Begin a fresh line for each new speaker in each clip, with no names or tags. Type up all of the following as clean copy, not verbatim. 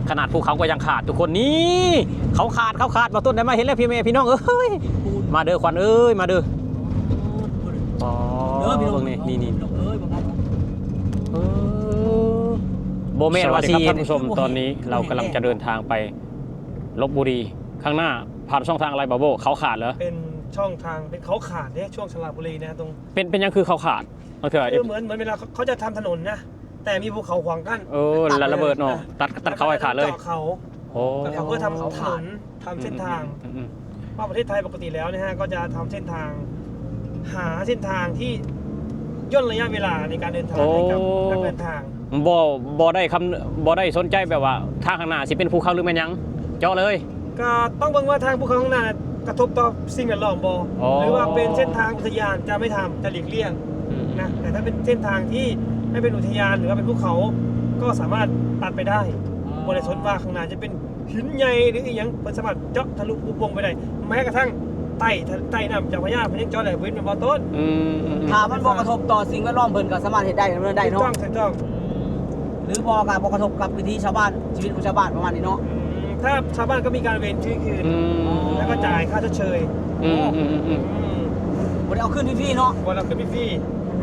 ขนาดภูเขาก็ยังขาดทุกคนนี่เขาขาดมาต้นได้มาเห็นแล้วพี่เมย์พี่น้องเอ้ยมาเด้อควันเอ้ยมาเด้ออ๋อเบิ่งนี่โบเมนวาซีท่านผู้ชมตอนนี้เรากำลังจะเดินทางไปลพบุรีข้างหน้าผ่านช่องทางอะไรบาโบเขาขาดเหรอ
เป็นช่องทางเป็นเขาขาดเนี่ยช่วงสระบุรีนะตรง
เป็นยังคือเขาขาดมันคือ
เหมือนเวลาเขาจะทำถนนนะแต่มีภูเขาขวางกั้น
แล้วระเบิดเนาะตัดเขาไอ้ขาดเลย
เขาเพื่อทำถนนทำเส้นทางว่าประเทศไทยปกติแล้วนะฮะก็จะทำเส้นทางหาเส้นทางที่ย่นระยะเวลาในการเดินทางให้กับนักเดินทาง
บ่ได้สนใจแบบว่าทางข้างหน้าสิเป็นภูเขาหรือแม่นยังเจาะเลย
ก็ต้องเบิ่งว่าทางภูเขาข้างหน้ากระทบต่อสิ่งแวดล้อมบ่หรือว่าเป็นเส้นทางอุทยานจะไม่ทำจะหลีกเลี่ยงนะแต่ถ้าเป็นเส้นทางที่ไม่เป็นอุทยานหรือว่าเป็นภูเขาก็สามารถตัดไปได้บริสุทธิ์ว่าข้างหน้าจะเป็นหินใหญ่หรืออีกอย่างเป็นสามารถเจาะทะลุปุโปงไปได้แม้กระทั่งใต้น้ำเจ้าพระยาเพิ่นยังเจาะได้เว้นเป็นบ่อต้น
ถ้ามันบ่กระทบต่อสิ่งแวดล้อมเพิ่นก็สามารถเฮ็ดได้ดำเนินได้เนาะ
ถูกต้อง
หรือบ่กระทบกับวิถีชาวบ้านชีวิตของชาวบ้านประมาณนี้เนาะ
ถ้าชาวบ้านก็มีการเว้นชื่อคืนแล้วก็จ่ายค่าชดเชย
บ่ได้เอาขึ้นฟรีๆเนาะ
บ่ได้เอาขึ้นฟรี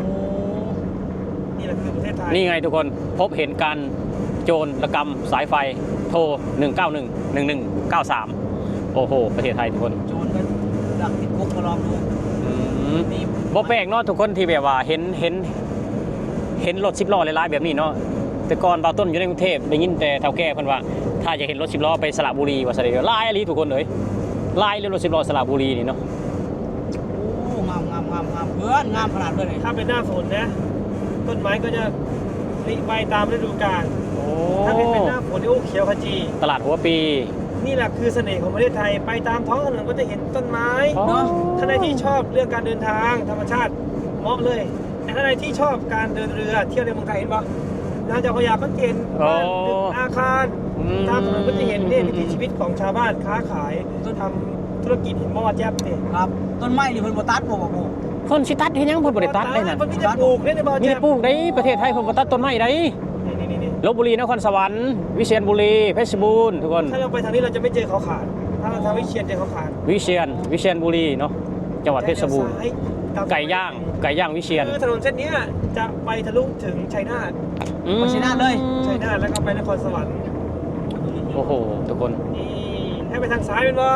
นี่แหละคือประเทศไทย
นี่ไงทุกคนพบเห็นการโจรกรรมสายไฟโทร191 1193โอ้โหประเทศไทยทุกคน
โจรก็ดักติดคุกมาลองดู
บ่แปลกเนาะทุกคนที่แบบว่าเห็นรถ10ล้อหลายๆแบบนี้เนาะแต่ก่อนบ่าวต้นอยู่ในกรุงเทพได้ยินแต่เฒ่าแก่เพิ่นว่าถ้าอยากเห็นรถ10ล้อไปสระบุรีว่าซะเด้อหลายอีหลีทุกคนเอ้ยหลายเลยรถ10ล้อสระบุรีนี่เนาะ
โอ้งามเพื่อนงามขนาดเลย
ถ้าเป็นหน้าฝนนะต้นไม้ก็จะผลิใบตามฤดูกาลถ้าเป็นหน้าฝนนี่โอ้เขียวขจี
ตลาดหัวปี
นี่แหละคือเสน่ห์ของประเทศไทยไปตามท้องถนนก็จะเห็นต้นไม้เนาะท่านใดที่ชอบเรื่องการเดินทางธรรมชาติเหมาะเลยแต่ท่านใดที่ชอบการเดินเรือเที่ยวในเมืองไทยเห็นปะน่าจะพยายามก็เห็นบ้านตึกอาคารตามถนนก็จะเห็นเนี่ยวิถีชีวิตของชาวบ้านค้าขายทำธุรกิจเห็นบ่ว่าแจ๊บเนี่ย
ครับต้นไม้นี่เพิ่นบ่ตัดบ่
เพิ่นสิตัดเฮ็ดหยังเพิ่นบ่ได้ตัดได้นั่น
เพิ่นมีแต่ปลูกได้บ่แจ๊บ
มีปลูกได้ประเทศไทยเพิ่นบ่ตัดต้นไม้ได้ลพบุรีนครสวรรค์วิเชียรบุรีเพชรบูรณ์ทุกคน
ถ้าเราไปทางนี้เราจะไม่เจอเขาขาดถ้าเราทางวิเชียรเจอเขาขาด
วิเชียรบุรีเนาะจังหวัดเพชรบูรณ์ไก่ย่างวิเชียร
คือถนนเส้นนี้จะไปทะลุถึงชัยนาท
ชัยนาทเลย
ชัยนาทแล้วก็ไปนครสวรรค์
โอ้โหทุกคน
นี่ให้ไปทางซ้ายเป็นบ่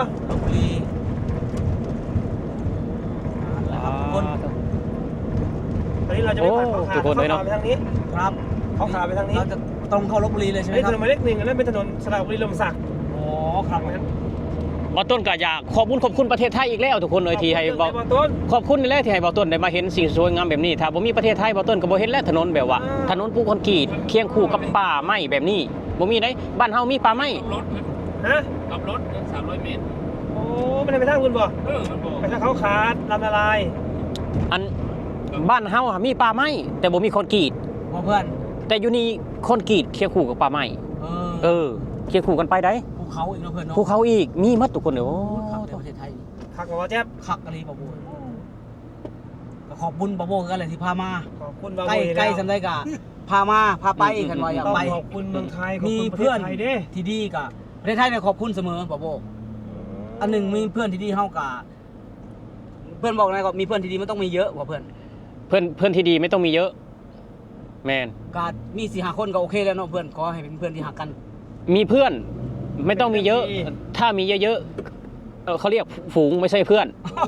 ตอนนี้เราจะไปผ่านเขาขาดไปทางนี้
ครับ
เขาขาไปทางนี้
เราจะตรงเข้าลพบุรีเลยใช่ไหมครับ
ถนนหมายเลข1อันนั้นเป็นถนนสระบุรีลมศักดิ์
อ๋อครับ
บ่ต้นก็อยากขอบคุณประเทศไทยอีกแล้วทุกคนเลยที่ให้บ่ต้นขอบคุณนี่แหละที่ให้บ่ต้นได้มาเห็นสิ่งสวยงามแบบนี้ถ้าบ่มีประเทศไทยบ่ต้นก็บ่เห็นแล้วถนนแบบว่าถนนปูคอนกรีตเคียงคู่กับป่าไม้แบบนี้บ่มีได้บ้านเฮามีป่าไม้
กับรถ300 เมตรโอ้มันไปทางคุณบ่ไปทางเขาขาดลำละลาย
อันบ้านเฮามีป่าไม้แต่บ่มีคอนกรีต
เพื่อน
แต่อยู่นี่คอนกรีตเคียงคู่กับป่าไม้เคียงคู่กันไปได้
ภูเขาอีกแล้วเพื่อนเนาะ
ภูเขาอีกมีหมดทุกคนเด้อโอ้
ประเทศไทย
คักบ่แจ๊บ
คักอะไรบ่บ่ขอบคุณบ่บ่กันเลยที่พามา
ขอบคุณบ่บ่
ใกล้สำได้กะพาไปกันว่าอยากไป
ขอบคุณเมืองไทย
มีเพื่อนที่ดีกะประเทศไทยเนี่ยขอบคุณเสมอบ่บ่อันหนึ่งมีเพื่อนที่ดีเฮากะเพื่อนบอกนะก็มีเพื่อนที่ดีมันต้องมีเยอะกว่าเพื่
อนที่ดีไม่ต้องมีเยอะแมน
ก็มี4-5 คนก็โอเคแล้วเนาะเพื่อนขอให้เป็นเพื่อนที่หักกัน
มีเพื่อนไม่ต้องมีเยอะถ้ามีเยอะๆเขาเรียกฝูงไม่ใช่เพื่อน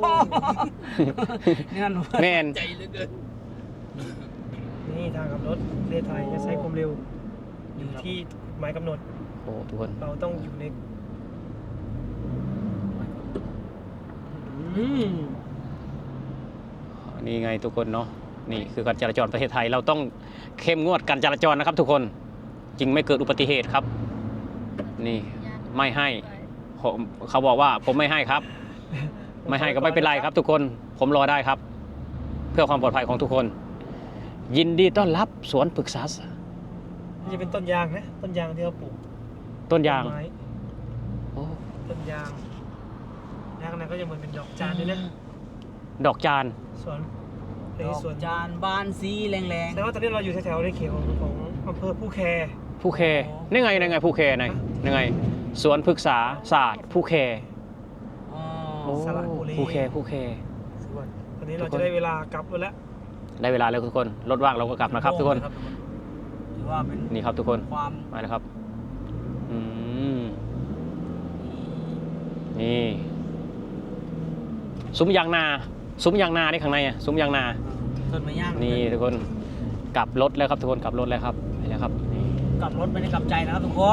แมน
ใจเหลือเกินนี่ทางขับรถประเทศไทยจะใช้ความเร็วอยู่ที่หมายกำหนด
โอ้ทุกคน
เราต้องอยู่ใน
นี่ไงทุกคนเนาะนี่คือการจราจรประเทศไทยเราต้องเข้มงวดการจราจรนะครับทุกคนจริงไม่เกิดอุบัติเหตุครับนี่ไม่ให้เขาบอกว่าผมไม่ให้ครับไม่ให้ก็ไม่เป็นไรครับทุกคนผมรอได้ครับเพื่อความปลอดภัยของทุกคนยินดีต้อนรับสวนปรึกษา
นี่จะเป็นต้นยางนะต้นยางที่เราปลูก
ต้นยาง
ต้นยางแล้วข้างในก็จะเหมือนเป็นดอกจานด้วยนะ
ดอกจาน
สวน
จานบานสีแรง
ๆแต่ว่าตอนนี้เราอยู่แถวๆในเขตของอำเภอผู้แค
นี่ไงผู้แคไหนยังไงสวนพฤกษาศาสตร์ผู้แค
อ๋อ
โอ้
สระบุรี
ผู้แค
ตอนนี้เราจะได้เวลากลับแล้ว
ได้เวลาแล้วทุกคนรถว่างเราก็กลับนะครับทุกคน
ถือว่าเป็น
นี่ครับทุกคน
ความ
มาแล้วครับอืมนี่ซุ้มยางนาได้ข้างในอ่ะซุ้มยางนา
ต้นไม้ย่าง
นี่ทุกคนกลับรถแล้วครับทุกคนกลับรถแล้วครับไปแล้วครับนี่
กลับรถไม่ได้กลับใจนะครับทุกคน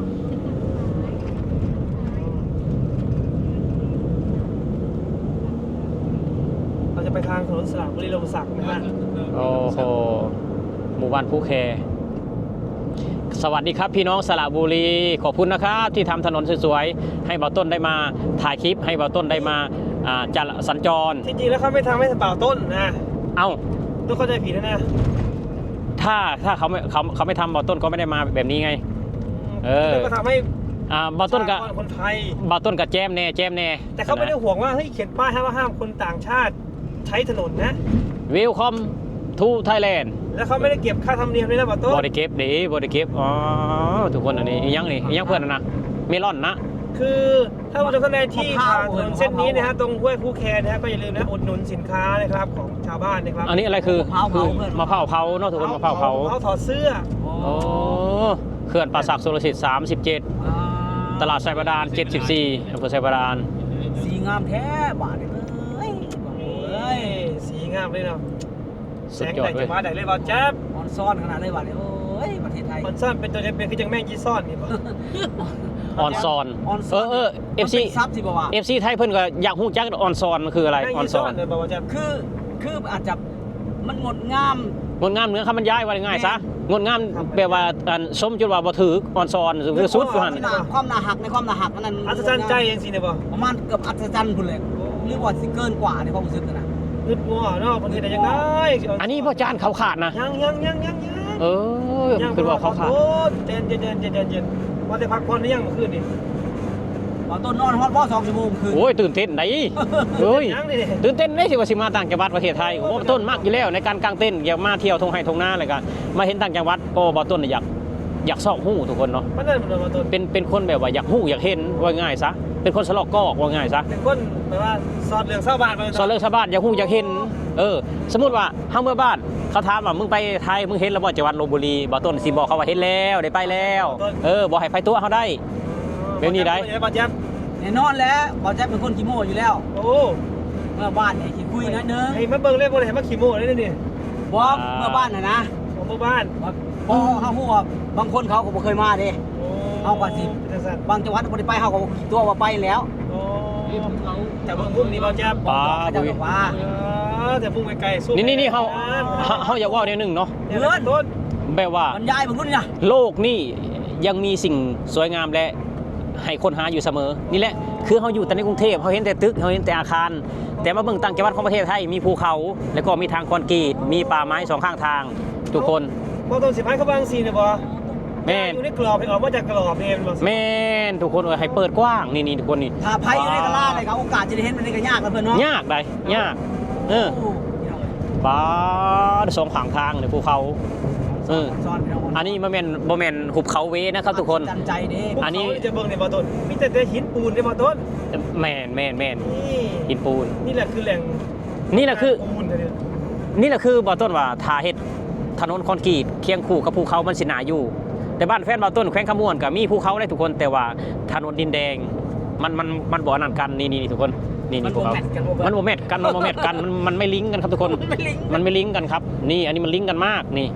เราจะไปทางถนนสระบุรีลมศักดิ์นะฮะ
โอ้โหหมู่บ้านผู้แคสวัสดีครับพี่น้องสระบุรีขอบคุณนะครับที่ทำถนนสวยๆให้เบาต้นได้มาถ่ายคลิปให้เบาต้นได้มาจะสัญจร
จริงๆแล้วเขาไม่ทำให้บ่าวต้นนะ
เอ้า
ต้องเข้าใจผิดนะ
ถ้าเขาไม่ทำเบาต้นก็ไม่ได้มาแบบนี้ไง เออ
แล้วก็ทำให้
เบาต้นกับ
คนไทย
เบาต้นกับแจมแน่
แต่เขาไม่ได้ห่วงว่าเฮ้ยเขียนป้ายห้ามคนต่างชาติใช้ถนนนะ
วิวคอมทูไทยแลนด์
แล้วเขาไม่ได้เก็บค่าธรรมเนียมด้วยนะบ่าวต้น
บริเก็บดีบริเก็บอ๋อทุกคนอันนี้อีกอยังเพื่อนนะเมลอนนะ
คือถ้าผู้ชมท่านใดที่ผ่านถนนเส้นนี้นะฮะตรงห้วยผู้แคนะฮะก็อย่าลืมนะอุดหนุนสินค้านะครับของชาวบ้านนะครับ
อันนี้อะไรคือมะพร้าวเผาเนาะทุกคนมะพร้าวเผา
เขาถอดเสื้อ
โอ้เขื่อนป่าสักสุรสิทธิ์37ตลาดไซบาดาน74อำเภอไซบาดาน
สีงามแท้บาทเลยเอ้ย
เฮ้ยสีงามเลยเนาะแส
สุด
ง
ยอ
แด
ด
ด
เล
จะ
ย
มาได้เลยบ่าวแจ๊บ
ออนซ่อนขนาดเลยบาทเลยโอ้ยประเทศไทย
มันซ่อนเป็นตัวจะเป็นคือจังแม่งยี่ซ่อนนี่บ่
ออนซอน
ออนซ่อน
FC
มันเป็นซับสิบ่าวะ
FC ไทยเพิ่นก็อยากฮู้จักออนซอนคืออะไร
แม่ง
ออน
ยี่
ซ
ซ่
อ
อน
น
เลยบ่าวแจ๊บ
คืออาจจะมันงดงาม
งดงามเหนือคำบรรยายว่าง่ายซะงดงามแปลว่าอันสมจุดว่าบ่ถือออนซอนคือสุดอยู่หั่น
ความน่าหักในความน่าหักอันนั้น
อัศจรรย์ใจเองสิเนี่ยบ่
ประมาณเกือบอัศจรรย์พุ่นเลยหรือว่าสิเกินกว่าในความรู้สึกนะ
นึกว่าเนาะประเทศใดยังไง
อันนี้พ่อจานเขาขาดนะ
ยัง
เออคือว่าเขาขาด
โอ้เย็นว่าแต่พักผ่อนหรือยังเมื่อคืนนี่
ตอนต้นนอนฮอดพ่อ2 ชั่วโมงคืน
โอ้ยตื่นเต้นไหนเฮ้ย
ยังนี่
ตื่นเต้นได้สิว่าสิมาต่างจังหวัดประเทศไทยโอ้ต้นมากอยู่แล้วในการกางเต้นอยากมาเที่ยวทงไห้ทงนาอะไรกันมาเห็นต่างจังหวัดโอ้บ่ต้นอยากซอกหู้ทุกคนเนาะ
มันนั่นมันมาต้น
เป็นคนแบบว่าอยากหู้อยากเห็นว่าง่ายซะเป็นคนสลอกกอกว่าง่ายซะ
เป็นคนแบบว่าสอดเรื่องชาวบ้านมา
สอนเรื่องชาวบ้านอยากหู้อยากเห็นสมมุติว่าเฮาเมื่อบ้านเขาถามว่ามึงไปไทยมึงเห็นแล้วบ่จังหวัดลพบุรีบ่ต้นสิบอกเขาว่าเห็นแล้วได้ไปแล้วบ่ให้ไปตัวเขาได้ แบบนี้ได้
บ่แจ๊บ
แน่นอนแล้วบ่แจ๊บเป็นคนขี้โม้อยู่แล้ว
โอ้
เมื่อบ้านเนี่ยขี้คุยนิดนึง
ไอ้มาเบิ่งเล่นบ่ได้มาขี่โม่เลยนี่
บ่เมื่อบ้านน่ะนะ
ของหมู่บ้าน
พอเฮาฮู้ว่าบางคนเขาก็บ่เคยมาเด้ เอากว่าสิ
เป็นสัตว์
บางจังหวัดบ่ได้ไปเฮาก็บ่คิดตัวว่าไปแล้ว
โอ้แต่เบิ่งพุ่มนี่บ่แจ๊บ
ป้า
เขาจะบอกว่า
แต่พุ่มไกลๆสู้
นี่เฮาอยากเว้าแนวนึงเนาะ
เพื่อนต้น
แบบว่า
บรรยายเบิ่งนู่นนี่นะ
โลกนี่ยังมีสิ่งสวยงามและให้คนหาอยู่เสมอ นี่แหละคือเขาอยู่แต่ในกรุงเทพเขาเห็นแต่ตึกเขาเห็นแต่อาคาร แต่มาเบิ่งต่างจังหวัดของประเทศไทยมีภูเขา แล้วก็มีทางคอนกรีตมีป่าไม้สองข้างทาง ทุกคน
บ่ต้นสิพายเขาบางซีเนี่ยบ่
แม่น
อยู่ในกรอบให้ออกมาจากกรอบนี่บ่
แม่นทุกคนให้เปิดกว้างนี่ทุกคนนี่
ถ้าไผอยู่ในกะลาเลยครับโอกาสจะได้เห็นมันนี่ก็ยากกันเพิ่นเนาะ
ยากได้ยาก
โอ้
เออป่าสองข้างทางเลยภูเขา
ซ้อนพี่น้อง
อันนี้บ่แม่นหุบเขาเวนะครับทุกคน
จันใจเด้
อันนี้
จะเบิ่งในบ่ต้นมีแต่หินปูนในบ่ต้น
แม่น
นี่
หินปูน
นี่แหละคือแหล่ง
นี่แหละคือ
ปูนเนี่ย
นี่แหละคือบ่อต้นว่าทาเฮ็ดถนนคอนกรีตเคียงคู่กับภูเขามันสิหนาอยู่ แต่บ้านแฟนบ่อต้นแขวงขมวนก็มีภูเขาได้ทุกคนแต่ว่าถนนดินแดงมันบ่อนั่นกันนี่ภูเขามันบ่แมทกันมันไม่ลิงก์กันครับทุกคนมันไม่ลิงก์กันครับนี่อันนี้มันลิงก์กันมากนี่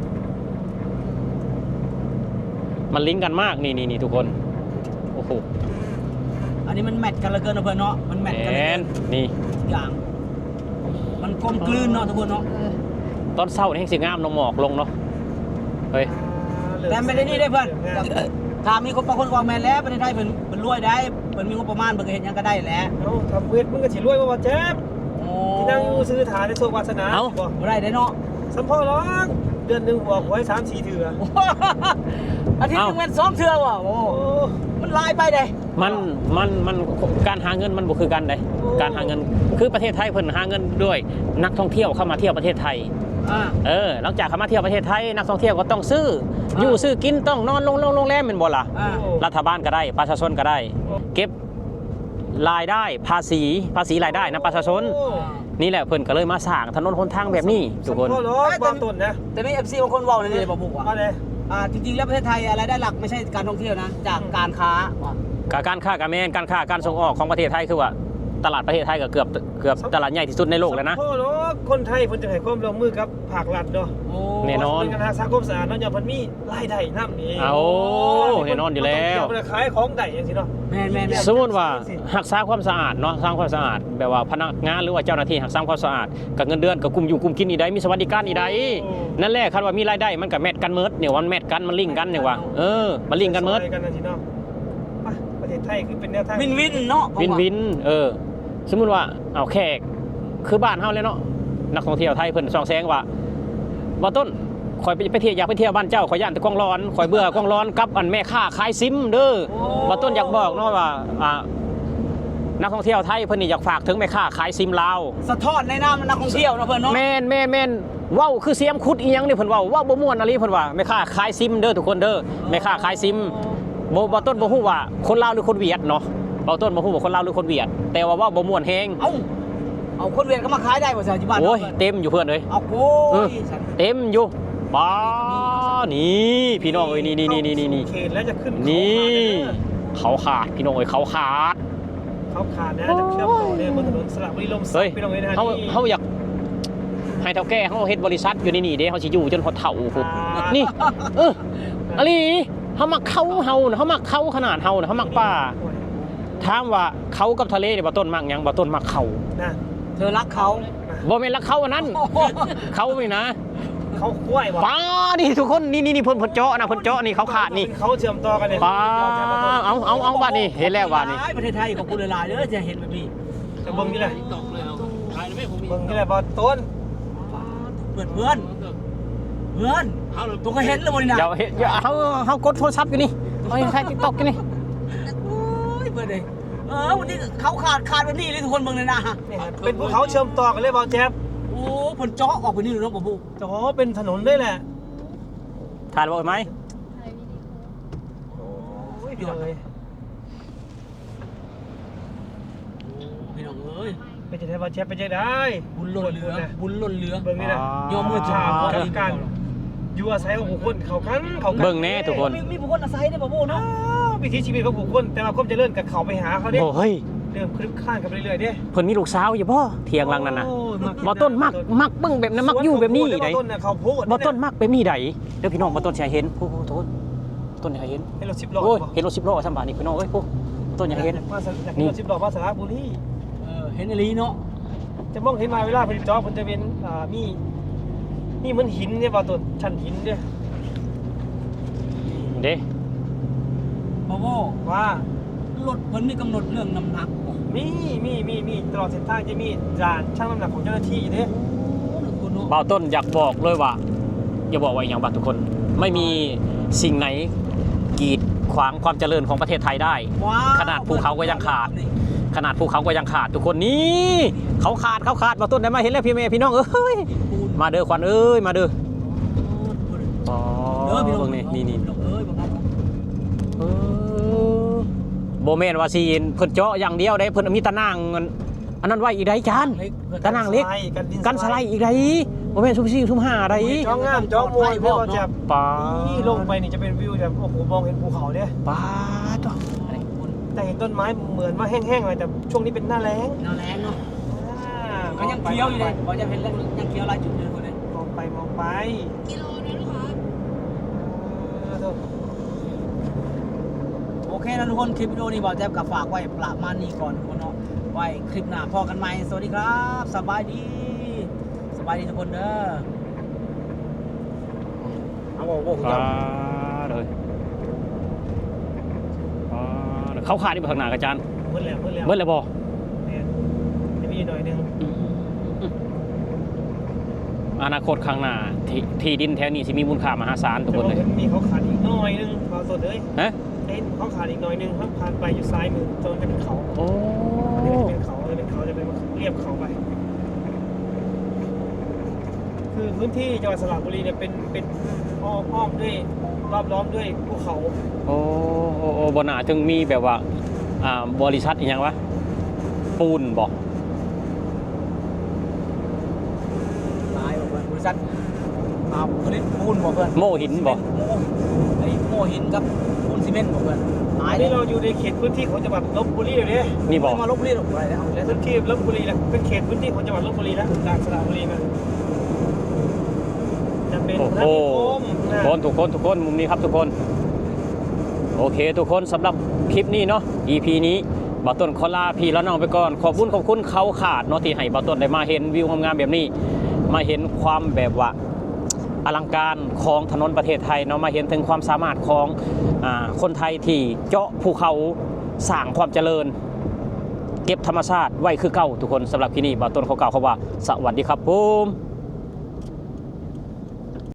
มันลิงก์กันมากนี่ทุกคนโอ้โห
อันนี้มันแมทกันเหลือเกินนะเพื่อนเนาะมันแมทกันเหลือเกิน
นี่
ทุกอย่างมันกลมกลืนเนาะทุกคนเนาะ
ตอนเช้านี่แห่งสิงามลงหมอกลงเนาะเฮ้ย
แต่ไม่ได้นี่ได้เพื่อนถ้ามีคนบางคนวางแมนแล้วประเทศไทยเพิ่นรวยได้เพิ่นมีงบประมาณเพิ่นก็เฮ็ดหยังก็ได้แหละ
เอ้าทำเวทมึงก็สิรวยบ่แจ๊บ
โอ้
ที่นั่งอยู่ซื้อฐานในโชควาสนาบ่
บ่ได้เนาะ
สัมพ่อร้องเดือนหนึงหัวหวย3-4เทื่อ
อาทิตย์นึงแม่น2 เทื่อว่ะโอ้
โอ้
มันลายไปเด้
มันการหาเงินมันบ่คือกันเด้การหาเงินคือประเทศไทยเพิ่นหาเงินด้วยนักท่องเที่ยวเข้ามาเที่ยวประเทศไทยหลังจากเขามาเที่ยวประเทศไทยนักท่องเที่ยวก็ต้องซื้ออยู่ซื้อกินต้องนอนโรงแรมเป็นบ่ล่ะรัฐบาลก็ได้ประชาชนก็ได้ เก็บรายได้ภาษีรายได้นะประชาชนนี่แหละเพิ่นก็เลยมาสร้างถนนหนทางแบบนี้ทุกคน
พ่อรถบ้านต้นนะ
แต่นี่ FC บางคนเว้าเลยบ่บุกว่า
อะไร
จริงๆแล้วประเทศไทยรายได้หลักไม่ใช่การท่องเที่ยวนะจากการค้า
การค้าการแมนการค้าการส่งออกของประเทศไทยคือว่าตลาดประเทศไทยก็เกือบตลาดใหญ่ที่สุดในโลกแล้วนะ
พ่อรถคนไทยเพิ่นจะให้ความร่วมมือกับภาครัฐเนาะ
แน่นอน
เป็นการสังคมสะอาดเนาะอย่างเพิ่นมีรายได้นำนี่
แน่นอนอยู่แล้ว
เพิ่นขายของได้จังซี่เนาะ
แม่น
สมมติว่ารักษาความสะอาดเนาะสร้างความสะอาดแบบว่าพนักงานหรือว่าเจ้าหน้าที่รักษาความสะอาดกับเงินเดือนกับกลุ่มอยู่กลุ่มกินอีใดมีสวัสดิการอีใดนั่นแหละคันว่ามีรายได้มันก็แมทกันเมิดเนี่ยวันแมทกันมันลิงก์กันเนี่ยว่ามันลิงก์กันเมิด
กันจังซี่เนาะไปประเทศไทยคือเป็นแนวทาง
วินเนาะ
วินสมมุติว่าเอาแขกคือบ้านเฮาเลยเนาะนักท่องเที่ยวไทยเพิ่นส่องแสงว่าต้นข่อยไปเที่ยวอยากไปเที่ยวบ้านเจ้าข่อยย่านแต่กองร้อนข่อยเบื่อกองร้อนกับอันแม่ค้าขายซิมเด้อว่าต้นอยากบอกเนาะว่านักท่องเที่ยวไทยเพิ่นนี่อยากฝากถึงแม่ค้าขายซิมลาว
สะท้อนในนามนักท่องเที่ยวเนาะเพิ่นเนาะ
แม่นเว้าคือเสียมคุดอีหยังนี่เพิ่นเว้าบ่ม่วนอะไรเพิ่นว่าแม่ค้าขายซิมเด้อทุกคนเด้อแม่ค้าขายซิมบ่ต้นบ่ฮู้ว่าคนลาวหรือคนเวียดเนาะบ่ต้นบ่ฮู้ว่าคนลาวหรือคนเวียดแต่ว่าเว้าบ่ม่วนแฮง
เอาคนเวียดก็มาขายได้บ่ใช่ที่บ้าน
โอ้ยเต็มอยู่เพื่อนเอ้ย
เอาโอ้ย
เต็มอยู่ป้านี่พี่น้องเอ้ยนี่
เขตแล้วจะขึ้น
นี่เขาขาดพี่น้องเอ้ยเขาขาด
เขาขาดนะจะเชื่อมต่อเนี่ยบนถนนสระบุรีลมศักดิ์พี่น้องเอ้ยนะ
เขาอยากให้เฒ่าแก่เขาเฮ็ดบริษัทอยู่นี่เด้เขาสิอยู่จนพอเฒ่าพุ่นนี่อะลีเฮามักเขาเฮานะเฮามักเขาขนาดเฮานะเฮามักป่าถามว่าเขากับทะเลเนี่ยบ่ต้นมักหยังบ่ต้นมักเขา
นะ
เธอรักเขา
บ่แม่นรักเขาอันนั้นเขานี่นะ
เขาคุ้ยว่ะ
ป้านี่ทุกคนนี่เพิ่นเจาะนะเพิ่นเจาะนี่เขาขาดนี่
เขาเชื่อมต่อกันเนี่ย
ป้าเอาบ้านนี่เห็นแล้วบ้านนี่
ประเทศไทยของคุณหลายๆเด้อจะเห็นแบบนี้
จะเบิ่งนี่แหละ
ตกเลยเอาถ่ายไม่ผมมี
เบิ่งนี่แหละบอลต้น
เพื่อนตัวก็เห็นเลยวันนี้นะ
เดี๋ยวเขากดโทรศัพท์อยู่นี่เอาใช้ TikTok อยู่นี่
โอ้ยเพื่อนเลยวันนี้เขาขาดแบบนี้เลยทุกคนเบิ่งเลยนะ
เป็นภูเขาเชื่อมต่อกันเลยบอลแจ๊บ
โอ้ผลเจาะออกไปนี่เลยเนาะปู่
จะขอเป็นถนนด้วยแหละ
ขาดบ่ไหม
โอ้ยพี่น้องเลย
พี่น้องเอ้ย
ไปจะได้บอลแจ๊บไปจะได้
บุญหล่นเรือเบิ่งนี่นะ
ยอมมือชาพอกันอยู่อาศัยของบุคคลเขากัน
เบิ่งแน่ทุกคน
มีบุคคลอาศัยได้ปู่เนาะ
วิถีชีวิตของบุคคลแต่ว่าความเจริญกับเขาไปหาเขาเนี่ย
โอ้เฮ้ย
เริ่มคลึกคลานกันไปเรื่อยๆเนี่ย
เพิ่นมีลูกสาวอยู่บ่เถียงหลังนั้นน่ะบ่ต้นมักเบิ่งแบบนั้นมักอยู่แบบนี้ได
ต้นเนี่ยเขาพูด
บ่ต้นมักแบบนี้ไดเดี๋ยวพี่น้องบ่ต้นสิให้เห็นโอ้โหต้นอยากให้เห็น
ให้รถ10ล้อ
โอ้ยเห็นรถ10ล้อซั่นบาดนี่พี่น้องเอ้ยพวกต้นอยากให้เห็น
นี่รถ10ล้อมาสระบุรี
เห็นอลีเนาะ
จะมองเห็นมาเวลาผลิตจอมันจะเป็นมีเหมือนหินเนี่ยบอลต้นชั้นหินเนี่ย
เด้
พ่อ
ว่าร
ถเพิ่นมีกำหนดเรื่องน้ำหนักบ่
มีตลอดเส้นทางจะมีด่านชั่งน้ำหนักของเจ้าหน้าที่เนี่ย
บ่าวต้นอยากบอกเลยว่าอย่าบอกว่าอย่างบัดทุกคนไม่มีสิ่งไหนกีดขวางความเจริญของประเทศไทยได้ ขนาดภูเขาก็ยังขาด ขนาดภูเขาก็ยังขาดทุกคนนี่เขาขาดบ่าวต้นได้มาเห็นแล้วพี่เมย์พี่น้องเอ้ยมาเด้อขวัญเอ้ยมาเด้ออ๋อ
พี่น้อง
นี่
เอ้ยบ่ครับ
โบแมนว่าซีนเพิ่นเจาะอย่างเดียวได้เพิ่นมีตะนางอันนั้นไว้อีกได้จานตะนางเล็กกันสไลด์อีกได้โบแมนซุ่ม4ซุ่ม5ได้
จ้องงามจ้องมวยเพื่อจะ
ป้า
นี่ลงไปนี่จะเป็นวิวแบบโอ้โหมองเห็นภูเขาเนี่ย
ป้าตัว
แต่เห็นต้นไม้เหมือนว่าแห้งๆเลยแต่ช่วงนี้เป็นหน้าแล้ง
แรงเนาะก็ยังเคี้ยวอยู่เลยบ่จะเห็นแล้วยังเคี้ยวหลายจุดเลยคนนี้
มองไป
กิโลนะลูกค้า
โอเคนะทุกคนคลิปวิดีโอนี้บ่แจ๊บกับฝากไว้ประมาณนี้ก่อนทุกคนเนาะไว้คลิปหน้าพอกันใหม่สวัสดีครับสบายดีทุกคนเด้อเอาบ่
ป้าเลยเขาขาดที่ข้างหน้าอาจารย์
เมื่อแล้ว
เบิ่แล้วบ่
เนี่ยจะมีหน่อยนึง
อนาคตข้างหน้าที่ดินแถวนี้สิมีมูลค่ามหาศาลทุกคนเลย
มีเขาขาดอีกหน่อยนึงเขาสดเลย
ฮะ
เขาขาดอีกหน่อยนึงเขาผ่านไปอยู่ซ้ายมือจนจะเป็นเขา
โอ้
จะเป็นเขาจะเป็นเรียบเขาไปคือพื้นที่จังหวัดสระบุรีเนี่ยเป็นอ้อมด้วยรอบล้อมด้วยภูเขา
โอ้บ่น่าถึงมีแบบว่าบริษัทอีหยังวะปูนบ่
ตายบอกเพื่อนบริษัทผลิตปูนบอกเพื่อน
โม่หินบ่
ไอ้โม่หินกับปูนซีเมนต์บอกเพื่อนตาย
อันนี้เราอยู่ในเขตพื้นที่ของจังหวัดลบบุรีเลย
นี่บ่
มาลบบุรีหรอกอะไรแล้ว
พื้นที่ลบบุรีนะเป็นเขตพื้นที่ของจังหวัดลบบุรีนะจากสระบุรีนะจะเป็น
โอ้
พระ
โห
นิคมนะ
ทุกคนมุมนี้ครับทุกคนโอเคทุกคนสำหรับคลิปนี้เนาะ EP นี้บ่าวต้นขอลาพี่แล้วน้องไปก่อนขอบคุณเขาขาดเนาะที่ให้บ่าวต้นได้มาเห็นวิวงามๆแบบนี้มาเห็นความแบบว่าอลังการของถนนประเทศไทยเนาะมาเห็นถึงความสามารถของคนไทยที่เจาะภูเขาสร้างความเจริญเก็บธรรมชาติไว้คือเก่าทุกคนสำหรับที่นี่บ่าวต้นเขากล่าวเขาว่าสวัสดีครับผม